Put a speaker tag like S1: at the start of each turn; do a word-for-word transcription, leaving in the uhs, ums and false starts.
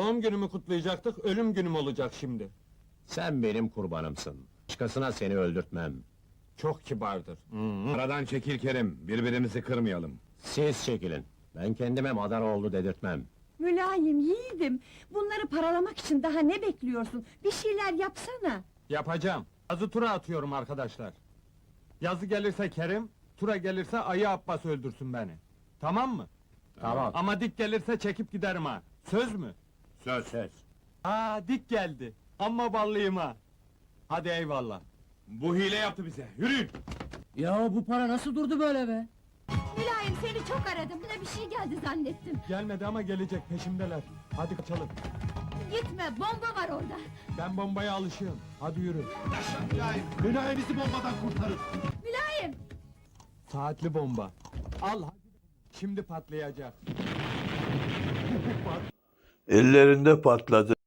S1: Doğum günümü kutlayacaktık, ölüm günüm olacak şimdi.
S2: Sen benim kurbanımsın. Başkasına seni öldürtmem.
S1: Çok kibardır.
S3: Aradan çekil Kerim, birbirimizi kırmayalım.
S2: Siz çekilin. Ben kendime Madaroğlu dedirtmem.
S4: Mülayim, yiğidim. Bunları paralamak için daha ne bekliyorsun? Bir şeyler yapsana.
S1: Yapacağım. Yazı tura atıyorum arkadaşlar. Yazı gelirse Kerim, tura gelirse Ayı Abbas öldürsün beni. Tamam mı?
S2: Tamam.
S1: Ama dik gelirse çekip giderim ha. Söz mü?
S3: Söz.
S2: Söz.
S1: Aa, dik geldi. Amma ballıyım ha. Hadi eyvallah.
S3: Bu hile yaptı bize, yürüyün!
S5: Ya bu para nasıl durdu böyle be?
S4: Mülayim, seni çok aradım. Buna bir şey geldi zannettim.
S1: Gelmedi ama gelecek, peşimdeler. Hadi kaçalım.
S4: Gitme, bomba var orada.
S1: Ben bombaya alışığım. Hadi yürü.
S3: Mülayim bizi bombadan kurtarın!
S4: Mülayim!
S1: Saatli bomba. Al hadi. Şimdi patlayacak.
S6: Ellerinde patladı.